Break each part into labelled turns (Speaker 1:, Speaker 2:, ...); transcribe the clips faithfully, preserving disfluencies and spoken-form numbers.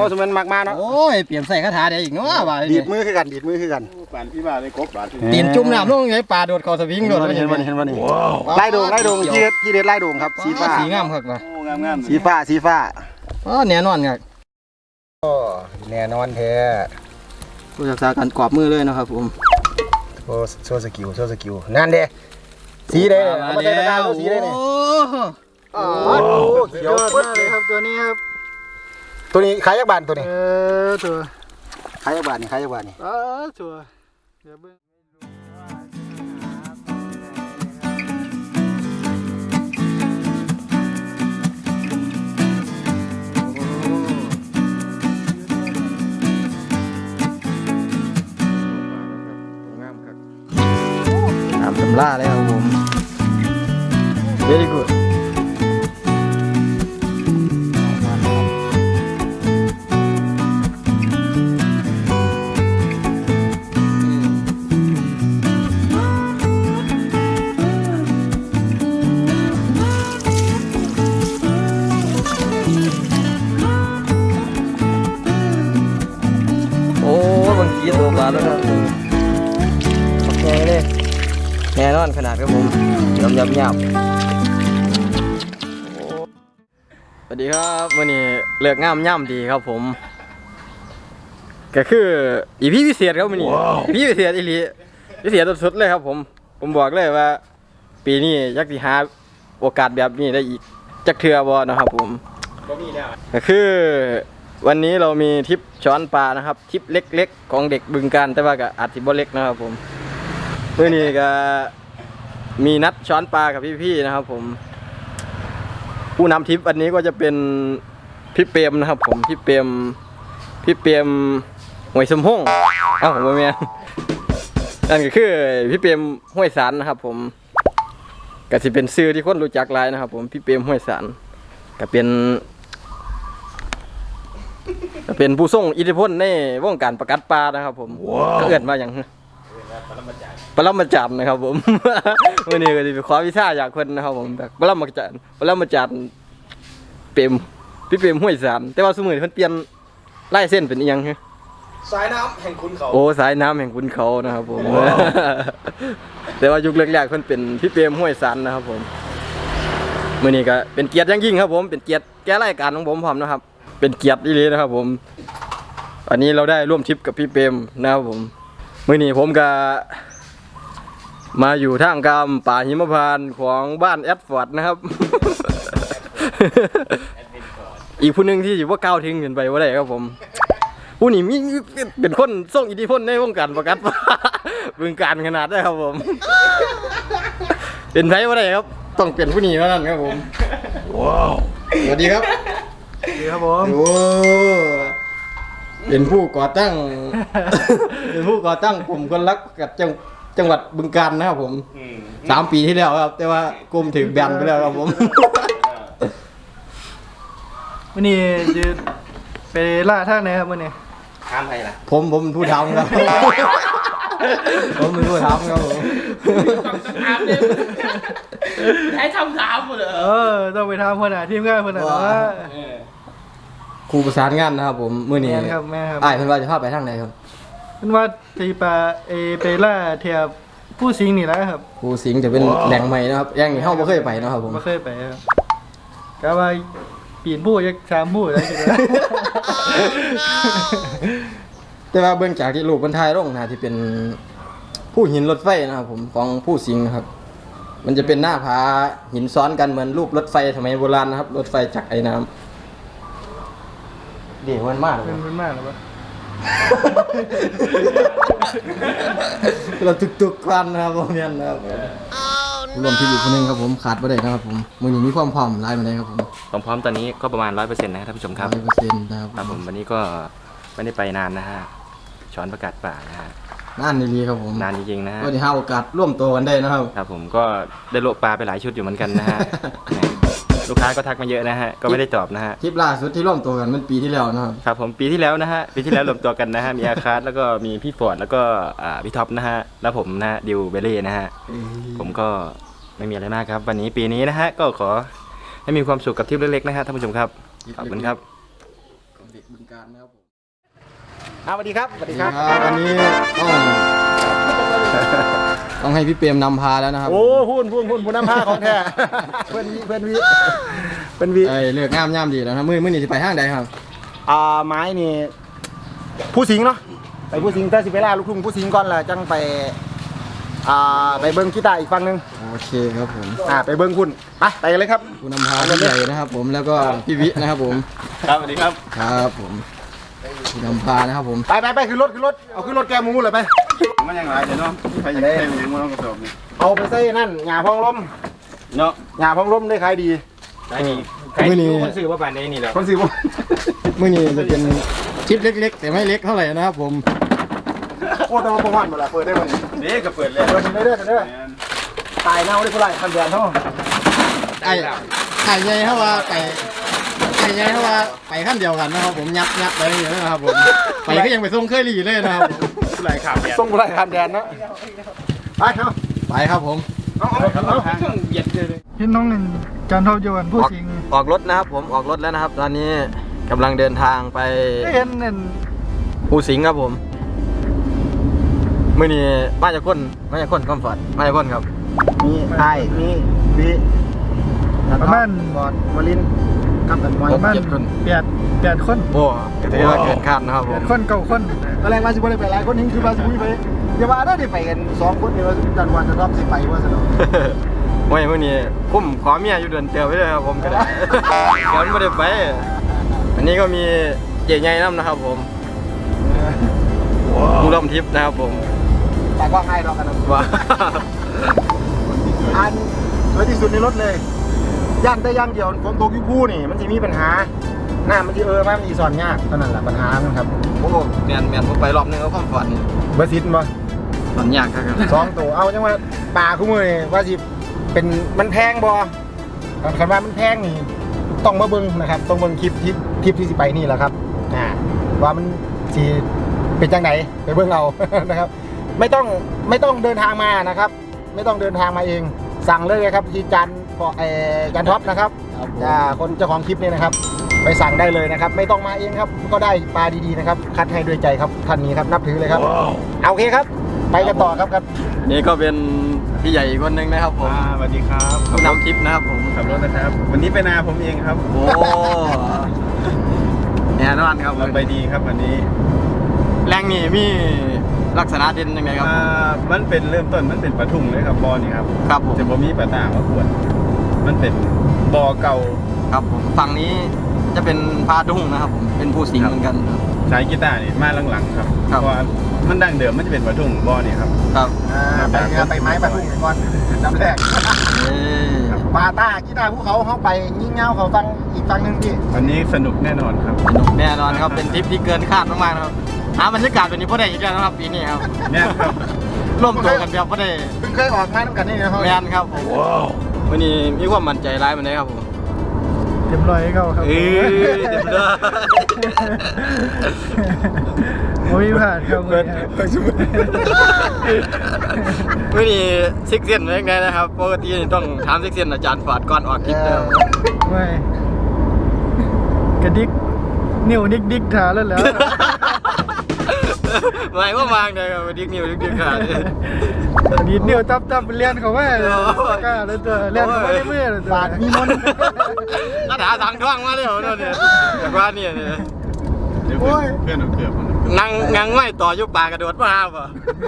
Speaker 1: สมมติมากมาเนาะ
Speaker 2: โอ้ยเปลี่ยนใส่คาถาได้อีกเนาะว่า
Speaker 1: ดีดมือคือกันดีดมือคือกัน
Speaker 3: ปานพี่บ้าในกบบาด
Speaker 2: ตีนจุ่มน้ำลงไงปลาโดดคอสวิงโดด
Speaker 1: เห็นวันเห็นวันนี้ไล่โด่งไล่โด่งที่เด็ดที่เด็ดไล่โด่งครับสีฟ้า
Speaker 2: สีงามครับว่ะ
Speaker 3: โอ้งามงาม
Speaker 1: สีฟ้าสีฟ้า
Speaker 2: อ๋อแน่นอนครับ
Speaker 1: โอ้แน่นอนแท้
Speaker 2: ผู้ศึกษาการกรอบมือเลยนะครับผม
Speaker 1: โอ้โชว์สกิลโชว์สกิลนั่นเด้สีเด้เอามาใส่ตะกร้าสีเด้เนี่ยโอ้โหเขียวมากเลยครับตัวนี้ครับตัวนี้ขายยักษ์บานตัวนี้
Speaker 2: เออตัว
Speaker 1: ขายยักษ์บานนี่ขายยักษ์บานนี่
Speaker 2: เออตัวเดี๋ยวเบิ่งตามตำราเลยครับผม very good โอ้บางทีตัวปลาแล้วครับโอเคเลยแน่นอนขนาดครับผมยำยำยำสวัสดีครับวันนี้เลือกงามย่ำดีครับผมก็คืออีพีพิเศษครับวันนี้อีพีพิเศษอีหลีพิเศษสุดๆเลยครับผมผมบอกเลยว่าปีนี้ยักษ์สิหาโอกาสแบบนี้ได้อีกจักเทือบอนะครับผมก็คือวันนี้เรามีทริปช้อนปลานะครับทริปเล็กๆของเด็กบึงการแต่ว่าก็อาจจะบ่เล็กนะครับผมเมื่อนี้ก็มีนัดช้อนปลากับพี่ๆนะครับผมผู้นำทริปวันนี้ก็จะเป็นพี่เปรมนะครับผมพี่เปรมพี่เปรมห้วยสมพงษ์เอ้าผมว่าแม่นั่นก็คือพี่เปรมห้วยสารนะครับผมก็จะเป็นชื่อที่คนรู้จักหลายนะครับผมพี่เปรมห้วยสารก็เป็นก็เป็นผู้ทรงอิทธิพลในวงการประกัดปลานะครับผมก็เอื้อนมาอย่างปรมาจารย์นะครับผมวันนี้ก็จะไปขอวิชาจากคนนะครับผมแบบปรมาจารย์ปรมาจารย์เปรมพี่เปรมห้วยสารแต่ว่าสมัยเพิ่นเปลี่ยนไล่เส้นเป็นอีหยังฮะ
Speaker 3: สายน้ำแห่งคุณเขา
Speaker 2: โอ้สายน้ำแห่งคุณเขานะครับผมแต่ว่ายุคแรกๆเพิ่นเป็นพี่เปรมห้วยสารนะครับผมมื้อนี้ก็เป็นเกียรติอย่างยิ่งครับผมเป็นเกียรติแก่รายการของผมพร้อมนะครับเป็นเกียรติอีหลีนะครับผมอันนี้เราได้ร่วมทริปกับพี่เปรมนะครับผมมื้อนี้ผมก็มาอยู่ท่ามกลางป่าหิมพานต์ของบ้านแอดฟอร์ดนะครับ อีกผู้หนึ่งที่อยู่ว่าก้าวทิ้งขึ้นไปว่าได้ครับผมผู้นี้มีเป็นคนส่งอิทธิพลในวงการประกัดบึงการขนาดได้ครับผมเป็นไผว่าได้ครับต้องเปลี่ยนผู้นี้เท่านั้นครับผมว้าวสวัสดีครับ
Speaker 1: สวัสดีครับผม
Speaker 2: โอ้เป็นผู้ก่อตั้งเป็นผู้ก่อตั้งกลุ่มคนรักกับจังจังหวัดบึงกาฬนะครับผมสามปีที่แล้วครับแต่ว่ากลุ่มถึงแบนไปแล้วครับผม
Speaker 1: วันนี้จะไปล่าท่าไหนครับวันนี้
Speaker 3: ทำอะไรล่ะ
Speaker 2: ผมผมเป็นผู้ทำครับผมเป็นผู้ทำครับผม
Speaker 3: ให้ทำถามหมดเลย
Speaker 1: เออต้องไปทำคนไหนทีมงานคนไหนว่า
Speaker 2: ครูประสานงานนะครับผมมื้อนี้
Speaker 1: ครับแม่ครับ
Speaker 2: อ้ายเพิ่นว่าจะพาไปทางไหนครับ
Speaker 1: เพิ่นว่าที่ปลาเอไปล่าเทียบผู้สิงห์นี่แหละครับ
Speaker 2: ผู้สิงห์จะเป็นแหล่งใหม่นะครับแหล่งที่เฮาบ่เคยไปเนาะครับผม
Speaker 1: บ่เคยไปครับก็ว่าปีนผู้ยักษ์สามผู้ได้จัง
Speaker 2: แต่ว่าเบื้องจากที่รูปบรรทายลงนะที่เป็นผู้หินรถไฟนะครับผมของผู้สิงห์ครับมันจะเป็นหน้าผาหินซ้อนกันเหมือนรูปรถไฟสมัยโบราณนะครับรถไฟจากไอ้น้ำเดี๋ยวมันมาก
Speaker 1: มันมันมากหรือเปล่า
Speaker 2: เราตุกๆควันนะครับผมเนี่ยนะครับรวมที่อยู่คนนึงครับผมขาดไม่ได้นะครับผมมือนี้มีความพร้อมไล่มาได้ครับผม
Speaker 3: ความพร้อมตอนนี้ก็ประมาณร้อยเปอร์เซ็นต์นะครับท่านผู้ชมครับ
Speaker 2: ร้อยเปอร์เซ็นต์นะครับ
Speaker 3: ครับผมวันนี้ก็ไม่ได้ไปนานนะฮะช้อนประกาศป่านะฮะ
Speaker 2: นานดีๆครับผม
Speaker 3: นานจริงๆนะฮะ
Speaker 2: ก็ได้หาโอกาสร่วมตัวกันได้นะครับ
Speaker 3: ครับผมก็ได้โลปลาไปหลายชุดอยู่เหมือนกันนะฮะลูกค้าก็ทักมาเยอะนะฮะก็ไม่ได้ตอบนะฮะ
Speaker 2: ทริปล่าสุดที่ร่วมตัวกันมันปีที่แล้วนะครับ
Speaker 3: ครับผมปีที่แล้วนะฮะปีที่แล้วรวมตัวกันนะฮะมีอาคาร์แล้วก็มีพี่ฟอร์ดแล้วก็พี่ท็อปนะฮะแล้วผมนะฮะดิวเบเล่นะฮะผมก็ไม่มีอะไรมากครับวันนี้ปีนี้นะฮะก็ขอให้มีความสุขกับทริปเล็กๆนะฮะท่านผู้ชมครับขอบคุณครับ
Speaker 2: การนะครับผม
Speaker 1: อ่าสวัสดีครับสวัสดีครับ
Speaker 2: วันนี้ต้องต้องให้พี่เปรมนำพาแล้วนะครับ
Speaker 1: โอ้หุ่นหุ่นหุ่นหุ่นน้ำผ้าของแท้เพื่อนวิเพื่อนวิเพื่อนวิ
Speaker 2: ไอ้เลือกงามย่ำดีแล้วนะมือมือนี่จะไปห้างใดครับ
Speaker 1: อ่าไม้นี่ผู้สิงเนาะไปผู้สิงถ้าสิไปล่าลูกทุ่งผู้สิงก่อนล่ะจังไปอ่าไปเบิ้งกีตาร์อีกฝั่งหนึง
Speaker 2: โอเคครับผม
Speaker 1: อ่าไปเบิ้งคุณไปไปกันเลยครับ
Speaker 2: คุณนำพาพี่ใหญ่นะครับผมแล้วก็พี่วินะครับผม
Speaker 3: ครับสวัสดีครับ
Speaker 2: ครับผมคุณนำพานะครับผม
Speaker 1: ไปไปไปขึ้นรถขึ้นรถเอาขึ้นรถแกมูเลยไป
Speaker 3: มันยังไงเดี๋ยวน้องใครยังได้ยังมันต้องกระสอบนี่
Speaker 1: เอาไปใส่นั่นหญ้าพองลม
Speaker 3: เนาะ
Speaker 1: หญ้าพองลมได้ขายดี
Speaker 3: ได้ดีใครคนซื้อว่าป่านนี้นี่แหละ
Speaker 1: คนสิบ
Speaker 2: มือนี่จะเป็นคลิปเล็กๆ แต่ไม่เล็กเท่าไหร่นะครับผม
Speaker 1: โอ้แต่ว่าประมาณหมดละเปิดได้ไหม
Speaker 3: เด็กก็เปิดเลย
Speaker 1: เปิดได้เด้อเด้อตายเน่าได้ผู้ไรคันเดือนเท่า
Speaker 2: ไอ้ไก่ใหญ่เท่าว่าไก่ไก่ใหญ่เท่าว่าไปขั้นเดียวกันนะครับผมยับยับไปอย่างนี้นะครับผมไปก็ยังไปส่งเคยหลีเลยนะครับ
Speaker 3: ผู้ไรข่าวเนี่ย
Speaker 1: ส่งผู้ไรคันเดือนนะไปเนาะ
Speaker 2: ไปครับผม
Speaker 1: เอาเอาเอา
Speaker 3: เครื่องเบียดเลย
Speaker 4: พี่น้องหนึ่งจันทร์ยวนผู้สิงห์
Speaker 2: ออกรถนะครับผมออกรถแล้วนะครับ ตอนนี้กำลังเดินทางไป
Speaker 4: ได้เห็นเน่น
Speaker 2: ภูสิงห์ครับผมมื่อนี้มาจากคนมาจากคนคอมฟอร์ตมาจากคนครับ
Speaker 1: มีไอ้มีวีบอดวลินกับกันมวย
Speaker 4: ประมาณ
Speaker 2: เจ็ดคน
Speaker 4: แปดแปดคน
Speaker 2: โอ้ก็ถือว่าเกินคาดนะครับผ
Speaker 4: แป
Speaker 2: ม
Speaker 4: ดคนเก้าคน
Speaker 1: ตอนแรกว่าสิบไปหลายคนนี้คือว่าสิบไปอย่าว่าได้ไปกันสองคนเดียวจันวันจะรอบสิไปว่าสนุก
Speaker 2: ไม่มื่อนี้คุ้มขอเมียอยู่เดือนเตียวไว้เลยครับผมก็ได้ เดี๋ยวไม่ได้ไปอันนี้ก็มีเจ๊ใหญ่น้ำนะครับผมผู้ร่วมทริปนะครับผม
Speaker 1: แต่ก็ให้เรากันนะ
Speaker 2: ว่า
Speaker 1: อันสวยที่สุดในรถเลยย่านได้ย่างเดียวฝนตกยุ่คู่นี่มันจะมีปัญหาหน้ามันจะเออมันจะสอนยากเท่านั้นแหละปัญหามันครับ
Speaker 2: โอ้แมนแมนผมไปรอบนึงก็คอมฟอร์ตนี่
Speaker 1: เบอร์ซิตมา
Speaker 2: สอนยากครับ
Speaker 1: สองตัวเอาจังว่าปลาคู่มือนี่ว่าสิเป็นมันแพงบ่คันว่ามันแพงนี่ต้องมาเบิ่งนะครับต้องเบิ่งคลิปที่คลิปที่สิไปนี่แหละครับอ่าว่ามันสิเป็นจังไหนไปเบิ่งเอา นะครับ ไม่ต้องไม่ต้องเดินทางมานะครับ ไม่ต้องเดินทางมาเองสั่งเลยครับที่จันพอเออจันท็อปนะครับอ่าคนเจ้าของคลิปนี่นะครับ ไปสั่งได้เลยนะครับ ไม่ต้องมาเองครับก็ได้ปลาดีๆนะครับคัดให้ด้วยใจครับท่านนี้ครับนับถือเลยครับเอาโอเคครับ ไปกันต่อครับครับ
Speaker 2: นี่ก็เป็นพี่ใหญ่อีกคนนึงนะครับผม
Speaker 3: สวัสดีครับ
Speaker 2: ผู้นำทริปนะครับผม
Speaker 3: ขับรถนะครับ วันนี้ไปนาผมเองครับ
Speaker 2: โอ้แน่นอนครับ
Speaker 3: เราไปดีครับวันนี้
Speaker 2: แรงนี่มีลักษณะเด่นยังไงครับ
Speaker 3: อ่ามันเป็นเริ่มต้นมันเป็นปะทุ่งเลยครับบอนี่ครับ
Speaker 2: ครับผม
Speaker 3: จะบ่มีปะต่างมาขวดมันเป็นบอเก่า
Speaker 2: ครับผมฝั่งนี้จะเป็นพาดุ้งนะครับผมเป็นผู้สิงห์เหมือนกันครับ
Speaker 3: ใช้กีตาร์นี่มาหลังๆครับ
Speaker 2: ครับ
Speaker 3: เพราะว่ามันดั้งเดิมมันจะเป็นปะทุ่งบอนี่ครับ
Speaker 2: ครับ
Speaker 1: อ่าไปเรือไปไม้ปลาทุ่งก่อนจำแรก
Speaker 2: เอ้ย
Speaker 1: ปาต้ากีตาร์ภูเขาเขาไปยิ่งเงาเขาฟังอีกฟังหนึ่งพี่
Speaker 3: วันนี้สนุกแน่นอนครับ
Speaker 2: สนุกแน่นอนครับเป็นทริปที่เกินคาดมากๆนะครับหาบรรยากาศแบบนี้พอได้อีกแล้วนะครับปีนี้ครับ
Speaker 3: เนี่ยครับ
Speaker 2: ร่วมตัวกันแบบพอได้
Speaker 1: เพิ่งเคยออกมาน้ำกันนี่นะครับ
Speaker 2: แมนครับผมวันนี้มีความมั่นใจร้ายมันเลยครับผม
Speaker 4: เต็มร้อยเก้าครับ
Speaker 2: เอ้ยเต็มเลย
Speaker 4: โอ้ยผ่านครับเลยครับ
Speaker 2: วันนี้ซิกเซียนเป็นยังไงนะครับปกตินี่ต้องถามซิกเซียนอาจารย์ฝาดก่อนออกคลิปแล้ว
Speaker 4: ไม่กระดิกนิ้วดิกดิกถาแล้วแล้ว
Speaker 2: หมายว่ามางเลยครับดิ๊กนิ้วดิ๊กนิ้วขาด
Speaker 4: ดีดนิ้วตับตับเลียนเขาไม่เลยกล้าเลยตัวเลียนเขาไม่ได้เมื่อเลยตัว
Speaker 1: บาดมีมนต์
Speaker 2: กระถาสังท่องมาเลยเหรอเนี่ยจากว่าเนี่ยเนี่ย
Speaker 3: เดี๋ยวเพื่อนเพื่อนเอาเกือบมัน
Speaker 2: นั่งนั่งไม่ต่อยุบปากกระโดดมาห้าป่ะ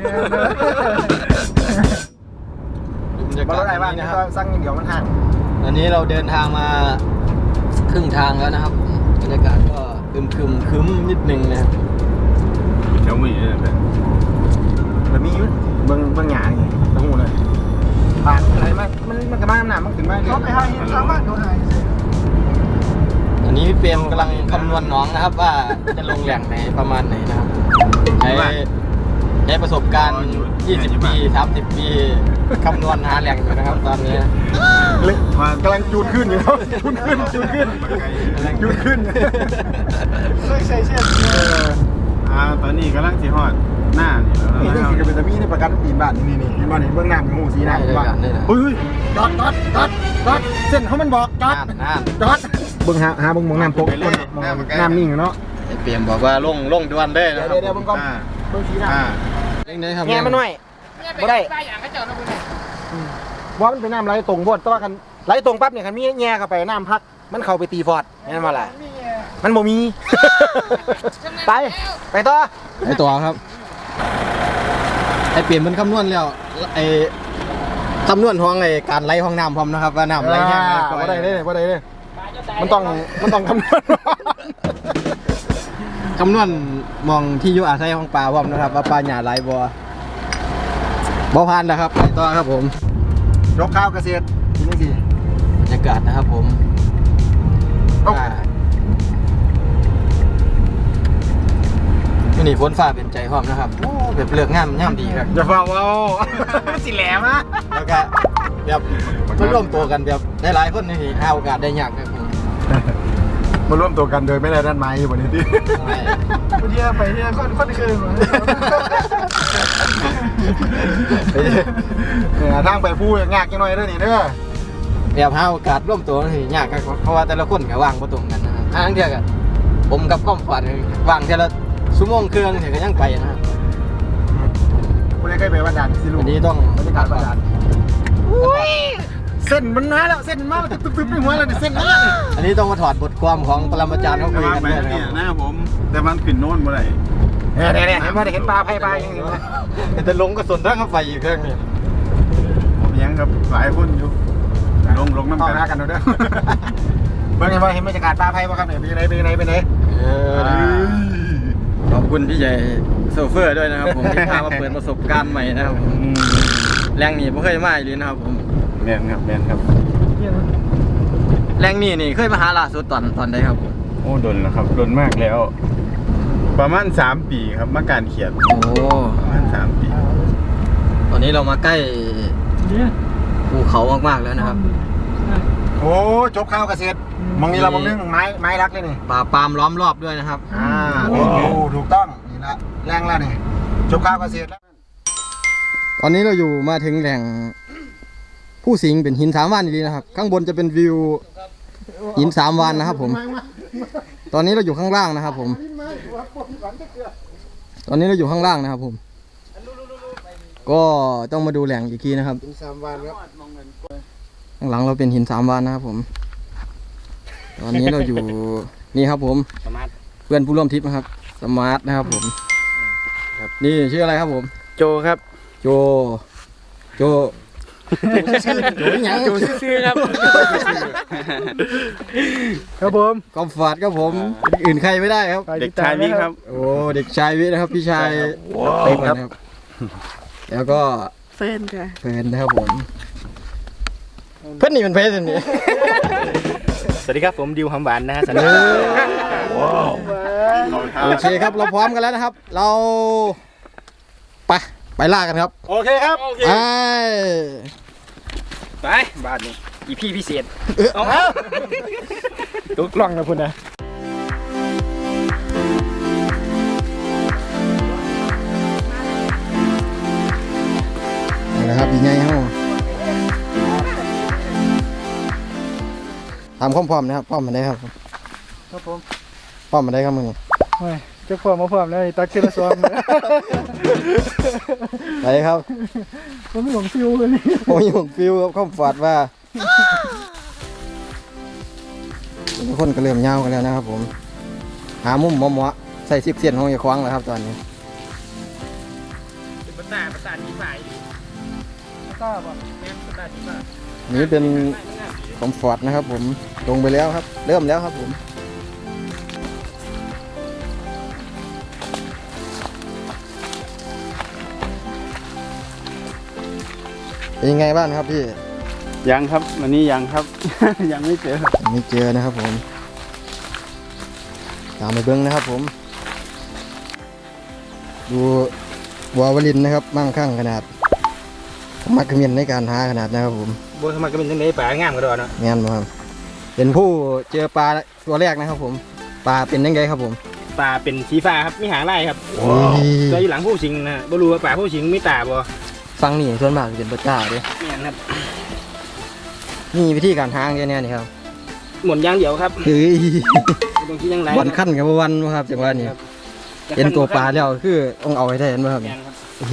Speaker 1: มาเท่าไหร่บ้าง
Speaker 2: นะ
Speaker 1: นะ
Speaker 2: ค
Speaker 1: ค
Speaker 2: รั
Speaker 1: รั
Speaker 2: บบ
Speaker 1: สั่งอย่างเดียวมันห่าง
Speaker 2: อันนี้เราเดินทางมาครึ่งทางแล้วนะครับบรรยากาศก็คึมคึมคึมนิดนึงนะครับ
Speaker 3: เจ้ามือเนี่ยเพื่อน
Speaker 1: มันมีอยู่เบิ้งเบิ้งหยาอย่างตะหูเลยปากอะไรมันมันมันกระมาหนามันขึ้นมา
Speaker 4: เขาไปให้ชาวบ้านเขาให้
Speaker 2: อันนี้พี่เปรมกำลังคำนวณน้องนะครับ ว่าจะลงแหล่งไหนประมาณไหนนะครับใช้ใช้ประสบการณ์ ยี่สิบ ปี สามสิบ ปีคำนวณหาแหล่งอยู่นะครับตอนนี้
Speaker 1: เลยกำลังจูนขึ้นอยู่ครับจูนขึ้นจูนขึ้นจูนขึ้น
Speaker 4: เคยใส่เชือก
Speaker 3: อ่าตอนนี้กำลังสีฮอดหน้านี่แล้ว
Speaker 1: นี่
Speaker 3: นะ
Speaker 1: นี่
Speaker 3: ครับ
Speaker 1: คือเป็นตะมีในประกันตีนบ้านนี่นี่นี่บ้านนี่เบื้องหน้ามีหูสีหน้าบ้านเฮ้ยจอดจอดจอดจอดเส้นเขามันบอกจอด
Speaker 2: น่านน่าน
Speaker 1: จอดเบื้องหาหาเบื้องมองน้ำพกน้ำนิ่งเนาะ
Speaker 2: ไเปลี่ยนบอกว่าลงลงด่วนเลย
Speaker 1: เดี๋
Speaker 2: นะ
Speaker 1: ยว
Speaker 2: ครับ
Speaker 1: เดี๋ยวเบิ่งก่อนเบิ่งสีหน้า
Speaker 4: อ่า
Speaker 2: เล่นได้ครับ
Speaker 1: แง่มันหน่อยบ่ได้ว่ามันเป็นน้ำไหลตรงบดแต่ว่ากันไหลตรงปั๊บเนี่ยคันมีแง่เข้าไปน้ำพักมันเข้าไปตีฟอร์ดแม่นบ่ล่ะมันบ่มี ไปไปต่อ
Speaker 2: ไอตัวครับไอเปลี่ยนมันคำนวณแล้วไอคำนวณห้องไอการไหลห้องน้ำพร้อมนะครับว่าน้ำไหลแห้งไหลก่อย
Speaker 1: บ่ได้เลยบ่ได้เลยมันต้องมันต้องคำนวณ
Speaker 2: คำนวณมองที่อยู่อาศัยของปลาพร้อมนะครับว่าปลาหยาไหลบ่บ่พันนะครับไปต่อครับผม
Speaker 1: ยกข้าวเกษตรทีนี้สิ
Speaker 2: บรรยากาศนะครับผม
Speaker 1: เอ้า
Speaker 2: อ่าวันนี้ฝนฟ้าเป็นใจพร้อมนะครับโอ้แบบเลือกงามงามดีครับ
Speaker 1: อย่าฟ้าว้าว สิแหลมอ่ะ
Speaker 2: แล้วก็แบบมาร่วมตัวกันแบบได้หลายคนนี่หาโอกาสได้ยากครับผม
Speaker 1: มาร่วมตัวกันโดยไม่ได้ด้านไม้อยู่บนนี้ดิ
Speaker 2: ใช่
Speaker 4: ไปเที่ยวไปเที่ยวค่อนค่อนคืน
Speaker 1: เนี่ยทางไปพูดยากจังหน่อยเด้อนี่เด้อ
Speaker 2: แบบหาโอกาสร่วมตัวนี่ยากครับเพราะว่าแต่ละคนก็ว่างบ่ตรงกันนะครับทางเดียวกันผมกับก้อมฝันว่างเท่าละชั่วโมงครึ่งเนี่ยก็ยังไปนะครับ
Speaker 1: คุณได้เคยไปวัดด่านสิลู
Speaker 2: วันนี้ต้อง
Speaker 1: บรรยากาศวัดด่านอุ้ยเส้นมันมาแล้วเส้นมันมาตึ๊บตึ๊บในหัวแล้วเนี่ยเส้นมาแล้ว
Speaker 2: อันนี้ต้องมาถอดบทความของปรมาจารย์เขาคุยกัน
Speaker 4: ไป
Speaker 2: ด้วยนะค
Speaker 4: เนี่
Speaker 2: รั
Speaker 4: ย
Speaker 2: บ
Speaker 4: หน้าผมแต่มันขึ้นโน่นเมื่อไหร่
Speaker 1: เนี่ยเนี่ยเนี่ยเห็นไหมเห็นปลาไพ่ปลาอย่างนี้ไหม
Speaker 2: แต่ลงก็สนทางเข้าไปอีกเครื่องนี่
Speaker 4: ผมยังกับหลายคนอยู่ลงลงน้ำ
Speaker 1: ต่อ
Speaker 4: กัน
Speaker 1: หน้ากันเด้อเบิ่งเห็นว่าเห็นบรรยากาศปลาไพ่ป่ะครับเนี่ยเป็นยังไงเป็นยังไงเป็นยังไง
Speaker 2: เออขอบคุณพี่ใหญ่โซเฟอร์ด้วยนะครับผมที่พามาเปิดประสบการณ์ใหม่นะครับผมแรงนี่ไม่เคยมาอีกเลยนะครับผม
Speaker 4: แมนครับแมนครับ
Speaker 2: แรงนี่นี่เคยมาหาล่าสุดตอนตอนใดครับผม
Speaker 4: โอ้ดนแล้วครับดนมากแล้ว ประมาณสามปีครับมาการเขียน
Speaker 2: โอ้
Speaker 4: ประมาณสามปี
Speaker 2: ตอนนี้เรามาใกล้ภูเขามากๆแล้วนะครับ
Speaker 1: โอ้จบข้าวเกษตรมองนี้เรามองนึงไม้ไม้รักเลยนี่
Speaker 2: ป่าปาล์มล้อมรอบด้วยนะครับ
Speaker 1: อ่าโอ้ถูกต้องนี่ละแรงแล้วนี่จบข้าวเกษตรแล้ว
Speaker 2: ตอนนี้เราอยู่มาถึงแหล่งผู้สิงเป็นหินสามวันดีนะครับ ข้างบนจะเป็นวิวหินสามวันนะครับ ผม ตอนนี้เราอยู่ข้างล่างนะครับ ผม ตอนนี้เราอยู่ข้างล่างนะครับ ผม ก็ต้องมาดูแหล่งอีกทีนะครับ
Speaker 1: สามวันครับ
Speaker 2: ข้างหลังเราเป็นหินสามวันนะครับ ผม ตอนนี้เราอยู่นี่ครับ ผม
Speaker 3: สมาร์ท
Speaker 2: เพื่อนผู้ร่วมทริปนะครับ สมาร์ทนะครับ ผมครับนี่ชื่ออะไรครับ ผม
Speaker 3: โจครับ
Speaker 2: โจ โจ โจหยัง
Speaker 3: โจซื่อๆครับ
Speaker 4: ครับผม
Speaker 2: กอมฟาดครับผมอื่นใครไม่ได้ครับ
Speaker 3: เด็กชายวิครับ
Speaker 2: โอ้เด็กชายวินะครับ พี่ชายเต็มครับ แล้วก็
Speaker 5: เฟิร์นค่ะ
Speaker 2: เพื่อนนะครับผม เพื่อนนี่เป็นเพศนี่
Speaker 3: สวัสดีครับผมดิวหำหวานนะฮะสัญ
Speaker 2: เอ
Speaker 3: ญา
Speaker 2: อโอเคครับเราพร้อมกันแล้วนะครับ เราไปไปล่ากันครับ
Speaker 1: โอเคครับ
Speaker 2: ไป
Speaker 3: ไปบ้านนี้อีพี่พิเศษ
Speaker 2: เอา
Speaker 3: ตุกล่องนะพุ่นนะ
Speaker 2: นี่แหละครับยังไงครับทำความพร้อมนะครับพร้อมมาได้ครับ
Speaker 4: ครับผม
Speaker 2: พร้อมมาได้ครับมึง
Speaker 4: ไม่จะพร้อมมาพร้อมแล้วตักเกลือซอง
Speaker 2: ไปครับ
Speaker 4: ผมไม่หลงฟิวเลยนี่
Speaker 2: โอ้ยผมฟิวครับข้อมฟาดว่าทุกคนก็เริ่มยาวกันแล้วนะครับ ผม หามุมเหมาะๆใส่ซิปเสียนของอย่าคว้างแล้วครับตอนนี้
Speaker 3: เป็นภาษาภาษาที่ฝ่าย
Speaker 4: ทราบอ่ะ
Speaker 3: แม่ภาษาที่ฝ่าย
Speaker 2: นี่เป็นคอมฟอร์ตนะครับ ผมลงไปแล้วครับ เริ่มแล้วครับผมเป็นยังไงบ้างครับพี่
Speaker 4: ยังครับวันนี้ยังครับ ยังไม่เจอ
Speaker 2: ไม่เจอนะครับ ผมตามไปเบิ้งนะครับ ผม ดูวาวลินนะครับ มั่งคั่งขนาดมักเขมียนในการหาขนาดนะครับ ผม
Speaker 3: โบสมัครก็เป็นจังได๋ป่างามกระดอนเนาะ
Speaker 2: งานบ่ครับเป็นผู้เจอปลาตัวแรกนะครับ ผมปลาเป็นยังไงครับผม
Speaker 3: ปลาเป็นสีฟ้าครับมีหางลายครับ
Speaker 2: โอ้ย
Speaker 3: ตัวอยู่หลังผู้สิงนะบ่รู้ว่าปลาผู้สิงมีตาบ่
Speaker 2: ฟังนี่ส่วนมากจะเป็นปลาจ้าเด้
Speaker 3: แม่นครับ
Speaker 2: นี่วิธีการหาแค่นี้นี่ครับ
Speaker 3: หมุนอย่างเดียวครับ
Speaker 2: เฮ้ย
Speaker 3: ตรงที่ยังไร
Speaker 2: วันขั้นกับวันครับจังหวะนี้เห็นตัวปลาแล้วคือต้องเอาให้ได้เห็นไหมครับฮี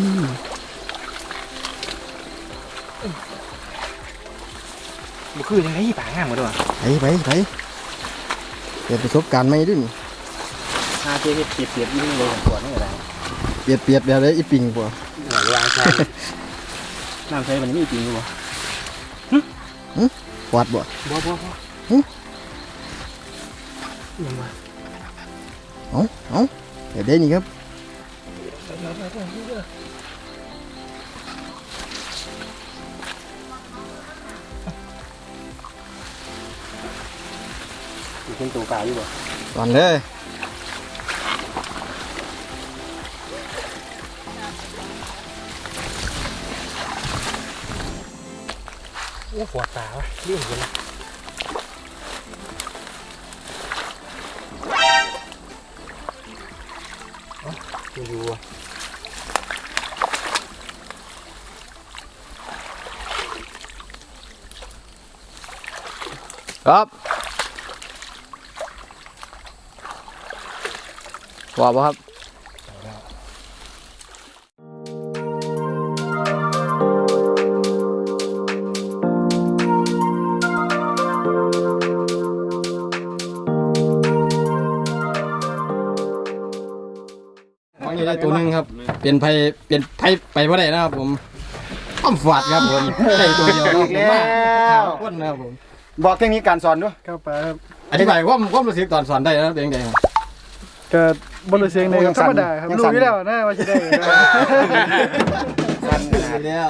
Speaker 3: บุคือยังไงป่างามกว่าด้วย
Speaker 2: ไปไปไปเปลี่ยนประสบการณ์ใหม่ด้วยนี่
Speaker 3: ฮาเจ๊เปียบเปียบยิ่งเลยของตัวนี่อะไร
Speaker 2: เปลี่ยนเปลี่ยนแบบเลยอีปิงปะ
Speaker 3: หลังวางใช่น้ำใช้มันไม่จริงหรือเปล่า
Speaker 2: วัดบ่
Speaker 3: บ่บ่บ่
Speaker 2: เอาเอาเดี๋ยวได้นี่ครับ
Speaker 3: เป็นตัวปลาอยู่บ่
Speaker 2: ก่อนเลย
Speaker 3: โอ้ปวดตาวะเรื่องเลยอยู่
Speaker 2: ครับว่าบ่ครับของนี้ได้ตัวหนึงครับเปลี่ยนไผเปลี่ยนไผไปบ่ได้นะครับผมต้อมฝาดครับผมได้ตัวเดียวครับผมมาคนนะครับผม
Speaker 1: บอกเทคนิคการสอนด้วย
Speaker 4: เข้าไปครับ
Speaker 2: อธิบายความความรู้สึกตอนสอนได้นะครับเป็นยังไงครับ
Speaker 4: ก็บริเสียงในครับธรรมดาครับรู้อยู่แล้วนะว่าจะได้นะ
Speaker 1: สั้นขนาด
Speaker 2: เนี่ย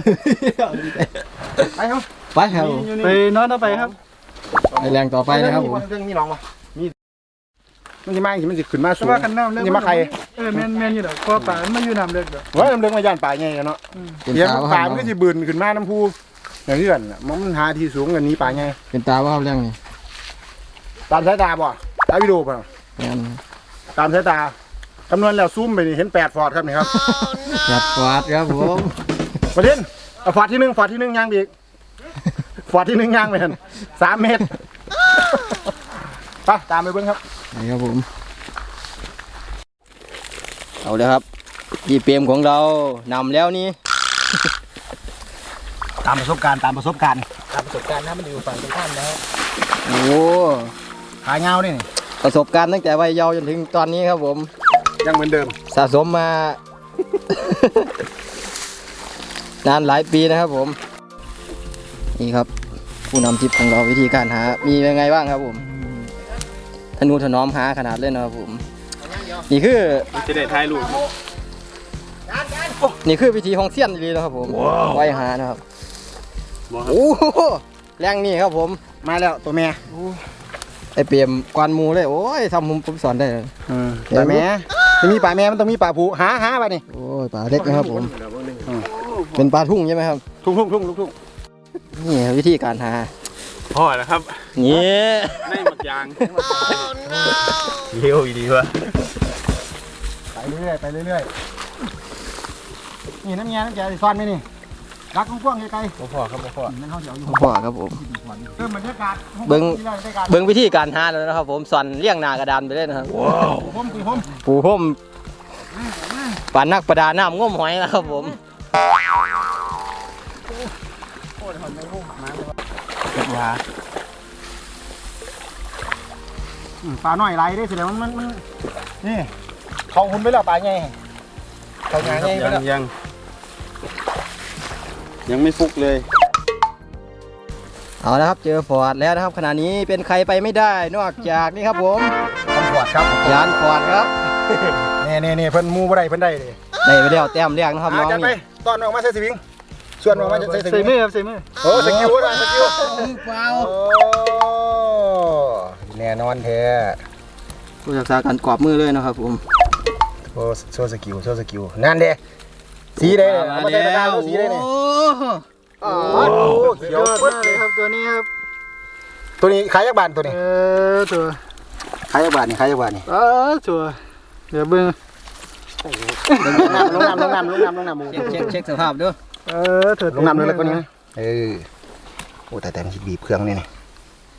Speaker 1: ไปครับ
Speaker 2: ไปครับ
Speaker 4: ไปนอนต่อไปครับ
Speaker 2: ไปแรงต่อไปนะครับผม
Speaker 1: เรื่องมีน้องปะมีมันจะมาอีกมันจะขึ้นมาสู
Speaker 4: แต่
Speaker 1: ง
Speaker 4: ว่ากันน้ำเลือก
Speaker 1: นี่มาใคร
Speaker 4: เออแมนแมนอยู่ดอกเพราะป่ามันมาอยู่น้ำเลือกดอก
Speaker 1: ว่าเรื่องมาย่านป่าไงกันเนาะ
Speaker 2: เป็น
Speaker 1: เดี๋ยว
Speaker 2: ตาว่า
Speaker 1: ป่ามันก็จะบืนขึ้นมาน้ำพุอย่างที่กันมันหาที่สูงกันนี้ป่าไง
Speaker 2: เป็นตาว่าเรื่องนี้
Speaker 1: ตามสายตาบ่ตามวิดีโอป่ะ
Speaker 2: งั้น
Speaker 1: ตามสายตาคำนวณแล้วซูมไปนี่เห็นแปดฟอร์ดครับนี่ครับ
Speaker 2: จัดฟาดครับผม
Speaker 1: ประเด็นฟอร์ดที่หนึ่งฟอร์ดที่หนึ่งย่างบีกฟอร์ดที่หนึ่งย่างไปเห็นสามเมตรไปตามไปเบิ้งครับ
Speaker 2: นี่ครับผมเอาเลยครับพี่เปรมของเรานำแล้วนี่
Speaker 1: ตามประสบการณ์ตามประสบการณ์
Speaker 3: ตามประสบการณ์นะมันอยู่ฝั่งตรงข้ามแล้ว
Speaker 2: โอ้
Speaker 1: ขายเงาเนี่ย
Speaker 2: ประสบการณ์ตั้งแต่วัยเยาว์จนถึงตอนนี้ครับผม
Speaker 1: ยังเหมือนเดิม
Speaker 2: สะสมมา นานหลายปีนะครับผมนี่ครับ ผู้นำทริปของเราวิธีการหา มียังไงบ้างครับผมธนูถนอมหาขนาดเล่นนะครับผมนี่คือ
Speaker 3: จะได้ถ่ายรูป
Speaker 2: นี่คือวิธีของเซียนดีนะครับผมไว้หานะครับโอ้โหแรงนี่ครับผม
Speaker 1: มาแล้วตัวแม่
Speaker 2: ไอเปียมกวนหมูเลยโอ้ยทำผมผมสอนได้เลย
Speaker 1: ป่าแม่จะมีป่าแม่มันต้องมีป่าผูหาหาไปนี่
Speaker 2: โอ้ยปลาเล็กนะครับผมเป็นปลาทุ่งใช่ไหมครับ
Speaker 1: ทุ่งทุ่งทุ่งทุ่งทุ่ง
Speaker 2: นี่ครับวิธีการหา
Speaker 3: พ่อแล้วครับ
Speaker 2: นี่
Speaker 3: ในหมักยางเลี้ยวอีดีวะ
Speaker 1: ไปเรื่อยไปเรื่อยนี่น้ำเงี้ยน้ำแกงซ่อนไหมนี่รักกว้างๆไกล
Speaker 3: พ่อครับพ่อ
Speaker 1: ๆนั่นเขาเดี๋ยวอยู่
Speaker 2: พ่อครับผม
Speaker 1: เติมบรรยากาศ
Speaker 2: เบิ่ง เบิ้งวิธีการหาแล้วนะครับผมสอนเลี้ยงหนากระดานไปเลยนะครับ
Speaker 1: ผมคือผม
Speaker 2: ปูพ่มปลานักประดาน้ำง้มหอยนะครับผม
Speaker 1: ว่าปลาหน่อยไรได้สิแล้วมันมันมันนี่เขาหุ่นไปแล้วปลาไงเขาหงายไงไป
Speaker 3: ยั
Speaker 1: แล้ว
Speaker 3: งยังยังไม่ฟุกเลย
Speaker 2: เอาละครับเจอฟอร์ดแล้วนะครับขณะนี้เป็นใครไปไม่ได้นอกจากนี่ครับผม
Speaker 1: ตำรวจครับ
Speaker 2: ยานฟอร์ดครับ
Speaker 1: นี่นี่นี่เพิ่นมูบ่ได้เพิ่นได้เลย
Speaker 2: ได้ไปแล้วแต้มแรกนะครับน้อง
Speaker 1: จัดไป
Speaker 2: นี่
Speaker 1: ตอนออกมาใส่สวิงส่วนออกมาใส่ส
Speaker 4: ใส่
Speaker 1: วิง
Speaker 4: มือครับใส่มือ
Speaker 1: โอ้สกิลนะสกิล
Speaker 2: เปล่า
Speaker 1: โอ้แน่นอนแท้
Speaker 2: ผู้ศึกษาการกรอบมือเลยนะครับผม
Speaker 1: โอ้โชว์สกิลโชว์สกิลนั่นเด้สีได้เลยเอามาใส่ตะกร้าดูสีได้เลย
Speaker 2: โอ้
Speaker 1: อ๋อเขี
Speaker 4: ย
Speaker 1: ยว
Speaker 4: อด
Speaker 1: ปึ๊ด
Speaker 4: มาก
Speaker 1: เล
Speaker 4: เลย
Speaker 1: ย
Speaker 4: ครับตัวนี้ครับ
Speaker 1: ตัวนี้ขายยักบาทตัวนี้
Speaker 4: เออตัว
Speaker 1: ขายยักบาทนี่ขายยักบาทนี่
Speaker 4: เออตัวเดี๋ยวเบิ่ง
Speaker 1: ลงน้ำลงน้ำลงน้ำลงน้ำลงน้ำหมู
Speaker 2: เช็คเช็คเช็คสภาพด้วย
Speaker 4: เออตัว
Speaker 1: ลงน้ำเลยแล้วก็นี้นะเออโอ้แต่แต่มันบีบเครื่องนี่นี่โอ้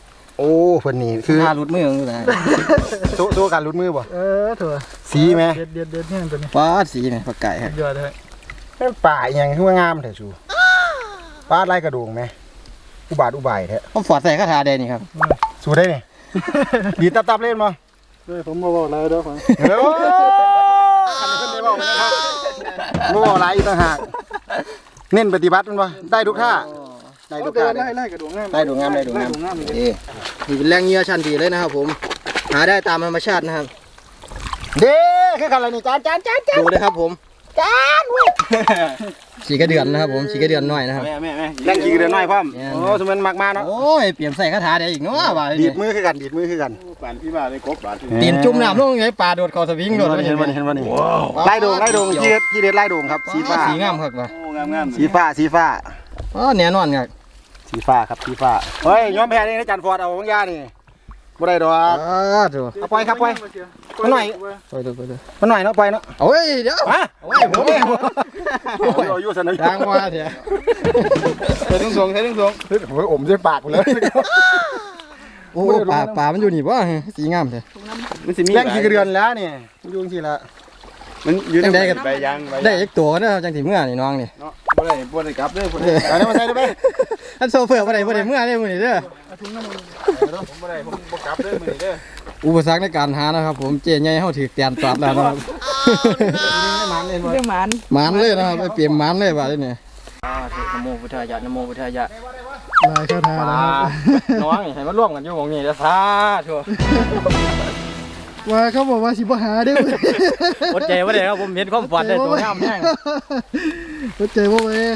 Speaker 1: อ้เพิ่นนี่คือ
Speaker 2: ท่ารุดมืออยู่นะ
Speaker 1: โซโซการรุดมือบ่
Speaker 4: เออเถอะ
Speaker 1: สีไหม
Speaker 4: เด็ดเด็ดเด็ดเนี่ยตัวนี้
Speaker 2: ว้าสีไหมปลาไก่ครับ
Speaker 4: ยอดเลย
Speaker 1: นั่นป่าอหยังคือว่างามแท้ชูป้าดไล่กระโดงไหมอุบาทอุบายแท้
Speaker 2: ผมฝอดใส่คาถาแดงนี่ครับ
Speaker 1: สู้ได้นี่ ดีตับๆเล่นบ่
Speaker 4: เฮ้ยผมมาบอกอะไรด้วยผม
Speaker 1: เฮ้ยคันนี้เพิ่นได้บอกนะครับบ่บอกหลายอีกต่างหากเน้นปฏิบัติมันบ่ได้ทุกท่าได้ทุกท่า
Speaker 4: ไล่ไล่กระดวงงาม
Speaker 1: ได้ดูงามได้ดูงาม
Speaker 4: งามเลย
Speaker 2: นี่นี่เป็นแรงเหงื่อชั้นดีเลยนะครับผมหาได้ตามธรรมชาตินะครับ
Speaker 1: เด้คือกันอะไรนี่จานจานจานจาน
Speaker 2: ดูเลยครับผม
Speaker 1: จานเว้ย
Speaker 2: สีกระเดือนนะครับผมสีกระเดือนหน่อยนะครับ
Speaker 3: แม่แม่แม่
Speaker 1: แรงขี่เดือนน้อยพร้อมโอ้สมมันมากมาเนาะ
Speaker 2: โอ้ยเปลี่ยนใส่คาถาแดงอีกเนาะว่า
Speaker 1: ดีดมือคือกันดีดมือคือกัน
Speaker 3: ปานพี่บ้าเลยกบบาท
Speaker 2: ตีนจุ่มน้ำลงไงปลาโดดคอสวิงโดด
Speaker 1: เห็นบ่เห็นบ่นี่ไล่โดงไล่โดงที่เด็ดที่เด็ดไล่โดงครับสีฟ้า
Speaker 2: สีงามครับว่ะ
Speaker 3: โอ้งามงาม
Speaker 1: สีฟ้าสีฟ้า
Speaker 2: อ๋อแน่นอนครับ
Speaker 1: สีฟ้าครับสีฟ้าเฮ้ยยอมแพ้นี่นะจันฟอร์ดเอาบางยานี่บ่ได้ดอก
Speaker 2: อ๋อถูก
Speaker 1: เอาปล่อยครับปล่อยมันหน่อย
Speaker 2: ไปดูไปดู
Speaker 1: มันหน่อยเนาะปล่อยเนาะ
Speaker 2: โอ้ยเดี๋ยว
Speaker 1: ฮะ
Speaker 2: โอ้ยผม
Speaker 1: เราอยู่สนาม
Speaker 2: ดังว่าเถอะใส่ถุงส่งใส่ถุงส่ง
Speaker 1: ผมอมด้วยปากเลย
Speaker 2: โอ้ปลาปลามันอยู่นี่ป่ะสีงามเถอะ
Speaker 3: มันสิมี
Speaker 1: แรงขี่กระเดือนแล้วนี่ยุ่งสิละ
Speaker 3: มันอยู่
Speaker 2: จังใดกัน
Speaker 3: ใบยางใบ
Speaker 2: ได้อีกตัวนะจังสีเมื่อนี่น้องนี่
Speaker 3: เนาะบ่ได้บ่ได้กลับเด้อบ่ได้
Speaker 1: เอาได้มาใส่ได้ไหม
Speaker 2: อันโซเฟอร์บ่ได้บ่ได้เมื่อนี่มื้อนี้เด้อ
Speaker 3: ผมบ่ได้ผมบ่กลับเด้อมื้อนี้เด้อ
Speaker 2: อุปสรรคในการหานะครับผมเจ๊ใหญ่เฮาถือเตียนตอดแล้วนะครับ
Speaker 1: มันเลย
Speaker 5: เรื่องหมัน
Speaker 2: หมานเลยนะครับไปเปลี่ยนหมานเลยว่าเด้นี่อ่านะโมพุทธายะนะโมพุทธายะ
Speaker 4: ลายคาถา
Speaker 2: ป
Speaker 4: แล้ว
Speaker 2: ลา
Speaker 4: ครับ
Speaker 2: น้องนี่ให้มาร่วมกันอยู่หม่องนี้เด้อสาธุ
Speaker 4: ว่าเขาบอกว่าสิบ่หาเด้อ
Speaker 2: อดใจบ่ได้ครับผมเห็นความฝันได้ตัวงามแฮง
Speaker 4: อดใจบ่เว้ย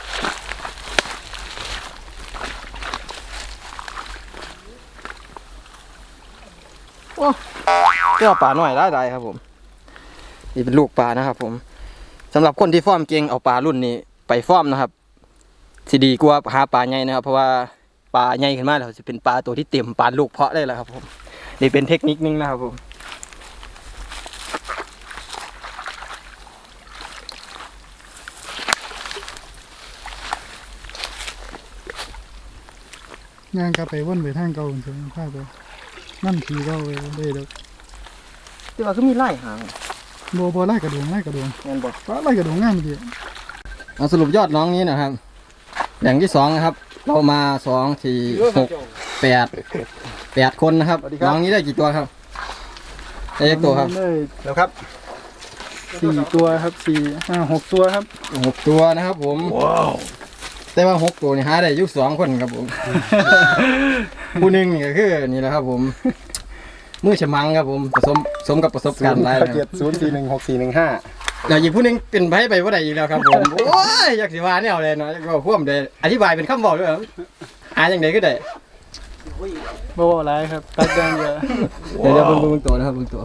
Speaker 2: เจ้าปลาน้อยได้ๆครับผมนี่เป็นลูกปลานะครับผมสำหรับคนที่ฟ้อมเก่งเอาปลารุ่นนี้ไปฟ้อมนะครับสิดีกว่าหาปลาใหญ่นะครับเพราะว่าปลาใหญ่ขึ้นมาแล้วจะเป็นปลาตัวที่เต็มปลาลูกเพาะได้แล้วครับผมนี่เป็นเทคนิคนึงนะครับผม
Speaker 4: งานกลับไปวนไปทางเก่าเฉยๆพาไปนั่นทีเก่าเลยได้ดอก
Speaker 2: ที่ว่าคือมีไล่หาง
Speaker 4: บ่บ่ไล่กระดวงไล่กระดวง
Speaker 2: เงินบอก
Speaker 4: ฟ้าไล่กระดวงงามดี
Speaker 2: เอาสรุปยอดน้องนี้นะครับแบ่งที่สองนะครับ เรามาสองสี่หกแปดแปดคนนะครับน้องนี้ได้กี่ตัวครับได้กี่ตัวครับ
Speaker 4: ได้
Speaker 1: แล้วครับ
Speaker 4: สี่ตัวครับสี่ห้าหกตัวครับ
Speaker 2: หกตัวนะครับผมแต่ว่าหกตัวนี่หาได้อยุคสองคนครับผม ผู้หนึ่งนี่ก็คือนี่แหละครับผม มือฉมังครับผมผสมสมกับประสบการณ์หลายนะค
Speaker 1: เจ็
Speaker 2: รั
Speaker 1: ด
Speaker 2: บ
Speaker 1: ศูนย์สี่หนึ่งหกสี่หนึ่งห้า
Speaker 2: แล้วอีกผู้หนึงเป็นไผไปว่าใดอีกแล้วครับผม โอ้ยอยากสิว่าเนี่ยเอาเลยเนาะอยากว่าพ่วมเลยอธิบายเป็นคำบอกด้วยครับหาอย่างใดก็ได้
Speaker 4: บ่บ่หลายครับตัดอย่างเดียว
Speaker 2: เดี๋ยวเดี๋ยวเบิ่งเบิ่งตัวนะครับเบิ่งตัว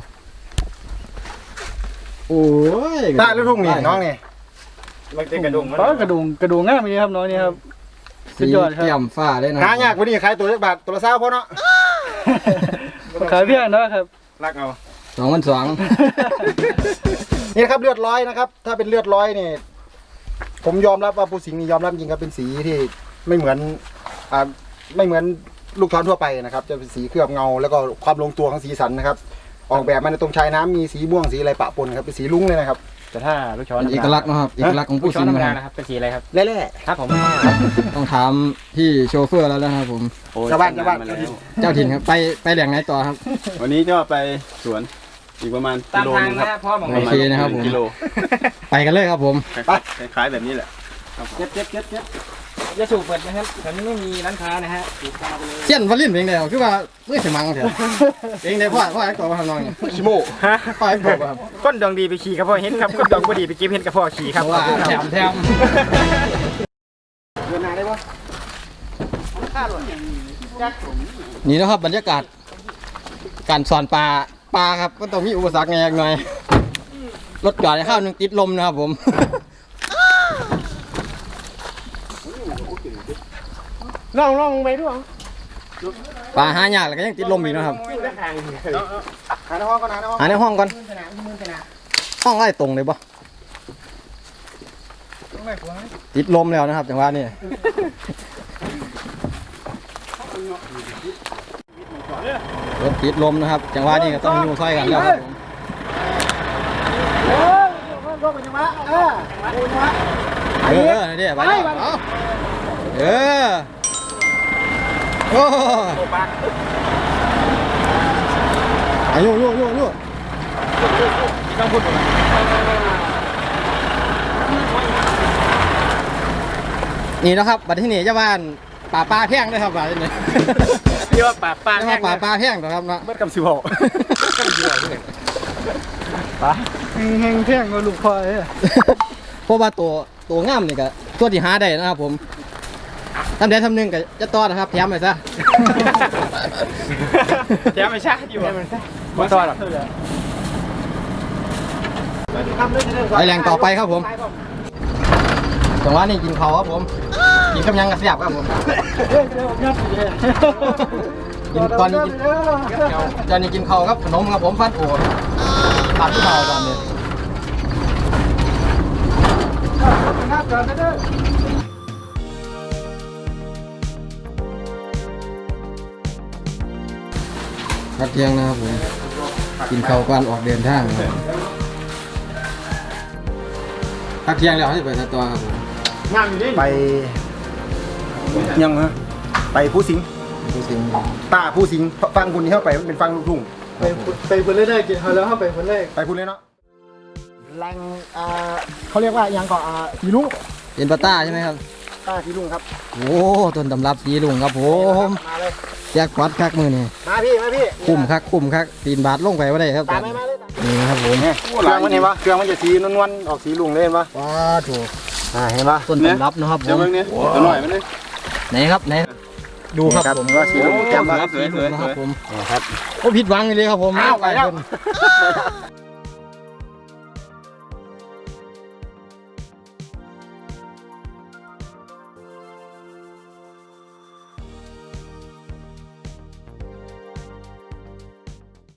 Speaker 2: โอ้ย
Speaker 1: ตาลูกทุ่งนี่น้องนี่
Speaker 3: มันเป็นกระดุมมัน
Speaker 4: ฟ้ากระดวงกระดวงงามดีครับน้องนี่ครับ สุ
Speaker 2: สี
Speaker 4: ดยอดครับ
Speaker 2: เปี่ยมฟ้าเลยนะ
Speaker 1: หายากกว่านี้ขายตัวเล็กบาทตัวละเศร้าพอเนาะ
Speaker 4: ขายเพียงนะครับ
Speaker 3: รักเอา
Speaker 2: สองพันสอง
Speaker 1: นี่นะครับเลือดร้อยนะครับ ถ้าเป็นเลือดร้อยนี่ผมยอมรับว่าปูสิงห์นี่ยอมรับจริงครับเป็นสีที่ไม่เหมือนอ่าไม่เหมือนลูกช้อนทั่วไปนะครับ จะเป็นสีเคลือบเงาแล้วก็ความลงตัวของสีสันนะครับ ออกแบบมาในตรงชายน้ำมีสีม่วงสีอะไรปะปนครับเป็นสีลุ้งเลยนะครับ
Speaker 3: แต่ถ้าลูกช้อน
Speaker 2: เป็นเอกลักษณ์นะครับเอกลักษณ์ของ
Speaker 3: ลู
Speaker 2: ผู้
Speaker 3: กช้อ
Speaker 2: สิ
Speaker 3: น
Speaker 2: ง
Speaker 3: ธรรม
Speaker 2: ห์
Speaker 3: ดา
Speaker 2: นะ
Speaker 3: นะ
Speaker 2: ค
Speaker 3: ครับ รับเป็นสีอะไรครับ
Speaker 1: เล่
Speaker 3: ครับผม
Speaker 2: ต้องถามพี่โชเฟอร์แล้วนะครับผม
Speaker 3: โอ้ย
Speaker 1: ชาวบ้านชาวบ้าน
Speaker 3: มแล้ว
Speaker 2: เจ้าถิ่นครับไปไปแหล่งไหนต่อครับ
Speaker 3: วันนี้จะไปสวนอีกประมาณกิโลนึงครับ
Speaker 2: โอเคนะครับผม
Speaker 3: กิโล
Speaker 2: ไปกันเลยครับผม
Speaker 3: คล้ายๆแบบนี้แหละ
Speaker 2: เจ็บเจ็บเจ็บเจ็บจะสูบเปิดนะครับแถวนี้ไม่มีร้านค้านะฮะเส้นวอลลินเป็นไงคือว่าเมื่อฉมังเถอะเองได้พ่อพ่อไอ้ตัวมาทำนองเนี่ย
Speaker 1: ชิโม
Speaker 2: พ่อไอ้ตัวครับ
Speaker 3: ก้นดองดีไปขี่กับพ่อเห็นครับก้นดองบ่ดีไปเก็บเห็นกับพ่อขี่ครับ
Speaker 2: เพราะว่าแถมแถม
Speaker 1: เดินหน้าได้ปะ
Speaker 2: นี่นะครับบรรยากาศการสอนปลาปลาครับก็ต้องมีอุปสรรคไงหน่อยรถจอดให้ข้าวหนึงติดลมนะครับผม
Speaker 1: ลองลองไปด้วย
Speaker 2: ปลาหายากแล้วก็ยังติดลมอีกนะครับ
Speaker 1: หาในห้องก่อนหาในห้อง
Speaker 2: หาในห้องก่อนห้องไล่ตรงเลยปะติดลมแล้วนะครับจังหวะนี้รถติดลมนะครับจังหวะนี้ก็ต้องอยู่ซอยกันแล้วครับผม
Speaker 1: โอ้ยลงไปจังหวะเออโอ้ยจังหวะ
Speaker 2: เออเดี๋ยวไปแล้วเอาเออโอ้อายุยุยุยุนี่นะครับบัดที่นี่เจ้าบ้านป่าปลาแพงเลยครับบัดนี้
Speaker 3: เรียกว่าป่าป้า
Speaker 2: เจ้า
Speaker 3: แห้
Speaker 2: บ้าง นป่าปลาแพงนะครับเนาะ
Speaker 1: เบิดกำสิบหก
Speaker 4: แห้งๆแท่งก็ลูกพ่อเอ้ย
Speaker 2: เพราะว่าตัวตัวงามนี่ก็ตัวที่หาได้นะครับผมทำได้ทำหนึ่งก็จะต่อนะครับแถมไปซะ
Speaker 3: แย้มไม่ใช่อยู่ไม่ต่อหรอก
Speaker 2: ไปแรงต่อไปครับผมจังหวะนี้กินเขาวครับผมกินกำยังกระเสียบครับผมกินตอนนี้กินตอนนี้กินเขาวครับขนมครับผมฟัดโอ้ตัดที่เขาตอนนี้พักเที่ยงนะครับผมกินข้าวก่อนออกเดินทางครับพักเที่ยงแล้วจะไปทัดตัวครับผม
Speaker 1: ไปยังฮะไปผู้สิงห์
Speaker 2: ดูสิง
Speaker 1: ตาผู้สิงห์ฟังคุณที่เข้าไปมันเป็นฟังลูกทุ่ง
Speaker 4: ไปไปคนแรกๆกินเขาแล้วเข้าไปคนแรก
Speaker 1: ไปพูดเลยเนาะแรงอ่าเขาเรียกว่ายังก่ออ่าสีลุง
Speaker 2: เป็นปลาต้าใช่ไหมครับ
Speaker 1: ตาสีลุงครับ
Speaker 2: โอ้ต้นตำรับสีลุงครับผม
Speaker 1: มาเลย
Speaker 2: แยกวัดคักมือนี่
Speaker 1: มาพี่มาพี่
Speaker 2: คุ้มคักคุ้มคักตีนบาทลงไปว่าได้ครับ
Speaker 1: ตามไม่มาเลย
Speaker 2: นี่นะครับผม
Speaker 1: เครื่องมันเห็นปะเครื่องมันจะสีนวลๆออกสีลุงเลยเห็นปะ
Speaker 2: ว้าถูก
Speaker 1: อ่าเห็นปะ
Speaker 2: ต้นตำรับนะครับผม
Speaker 3: ตัวหน่อยมันเลย
Speaker 2: ไหนครับไหนดูครับผม
Speaker 1: ว่าสีลุงแก้มปะ
Speaker 2: สีลุงนะครับผม
Speaker 1: ครับ
Speaker 2: โอ้ผิดหวังเลยครับผม
Speaker 1: อ้าวไปแล้ว
Speaker 2: เพิ่น